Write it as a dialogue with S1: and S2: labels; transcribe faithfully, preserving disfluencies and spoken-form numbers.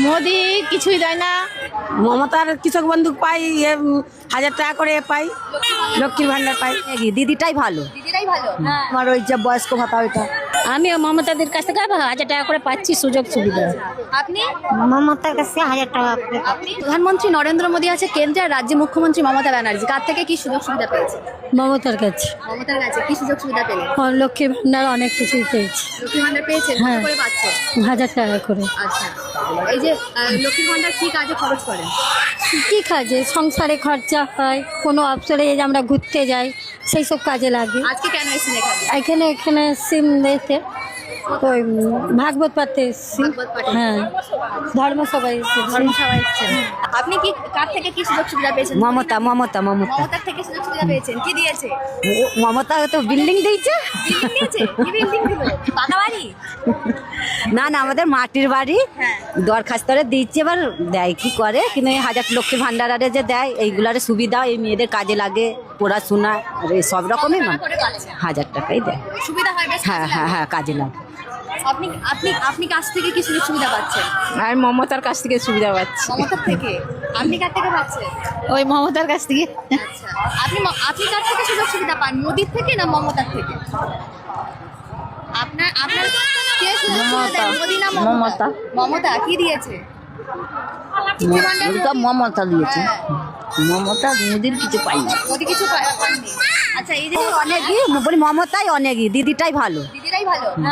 S1: মোদি কিছুই দেয় না। মমতার কৃষক বন্ধু পাই, এ, উম, হাজার টাকা করে পাই, লক্ষ্মীর ভান্ডার পাই।
S2: দিদিটাই ভালো।
S3: দিদিরাই ভালো।
S2: আমার ওই যে বয়স্ক ভাতা ওইটা।
S4: আমি মমতাদের কাছ থেকে হাজার টাকা করে পাচ্ছি সুযোগ সুবিধা।
S3: আপনি
S2: মমতার কাছে হাজার টাকা করে।
S3: আপনি প্রধানমন্ত্রী নরেন্দ্র মোদী আছে, কেন্দ্রে আর রাজ্যে মুখ্যমন্ত্রী মমতা ব্যানার্জি, কার থেকে কি সুযোগ সুবিধা পেয়েছে?
S4: মমতার কাছে
S3: মমতার কাছে কি সুযোগ সুবিধা পেলেন?
S4: লক্ষ্মী ভান্ডার অনেক কিছুই পেয়েছি,
S3: লক্ষ্মী ভান্ডার পেয়েছেন? কত
S4: হ্যাঁ।
S3: করে পাচ্ছেন?
S4: হাজার টাকা করে।
S3: আচ্ছা, এই যে আহ, লক্ষ্মী ভান্ডার কি কাজে খরচ করেন?
S4: কি কাজে? সংসারে খরচা হয়, কোনো অবসরে এই যে আমরা ঘুরতে যাই সেই সব কাজে লাগে।
S3: আজকে কেন এসেছেন এখানে?
S4: এখানে এখানে সিম দিতে ওই ভাগবত পাতে এসেছি।
S3: ভাগবত পাঠে?
S4: হ্যাঁ, ধর্মসভায় এসেছি।
S3: ধর্মসভায় এসেছেন। আপনি কি কার থেকে কি সুযোগ সুবিধা পেয়েছেন?
S2: মমতা মমতা মমতা
S3: মমতার থেকে সুযোগ সুবিধা পেয়েছেন, কি দিয়েছে?
S2: ও, মমতা তো বিল্ডিং দিয়েছে।
S3: বিল্ডিং দিয়েছে? কি বিল্ডিং দিল? পাকা বাড়ি?
S2: না না, আমাদের মাটির বাড়ি
S3: হ্যাঁ।
S2: দরখাস্তরে দিচ্ছে, এবার দেয় কি করে, কিন্তু এই হাজার লক্ষ্মীর ভান্ডারে যে দেয় এইগুলার সুবিধা এই মেয়েদের কাজে লাগে, পড়াশোনা আর এই সব রকমই
S3: কত
S2: মানে
S3: টাকা করে পাচ্ছেন?
S2: হাজার টাকাই দেয়।
S3: সুবিধা হয় বেশ?
S2: হ্যাঁ হ্যাঁ হ্যাঁ, কাজে লাগে।
S3: আপনি আপনি আপনি কাছ থেকে কি সুযোগ সুবিধা পাচ্ছেন?
S1: আর মমতার কাছ থেকে সুবিধা পাচ্ছি।
S3: মমতার থেকে? আপনি কার থেকে পাচ্ছেন?
S1: ওই মমতার কাছ থেকে।
S3: আচ্ছা, আপনি ম- আপনি কার থেকে সুযোগ সুবিধা পান, মোদির থেকে না মমতার থেকে? আপনার আপনার কে সুযোগ সুবিধা দেয়, মোদি না মমতা? মমতা কি দিয়েছে? লক্ষ্মী ভান্ডার?
S2: মমতা দিয়েছে,
S3: হ্যাঁ।
S2: মমতা মোদির কিছু পাইনি।
S3: মোদি কিছু পা- পাননি। আচ্ছা, এই যে
S2: অনেকই বলি, মমতাই অনেকই, দিদিটাই ভালো।
S3: দিদিরাই ভালো।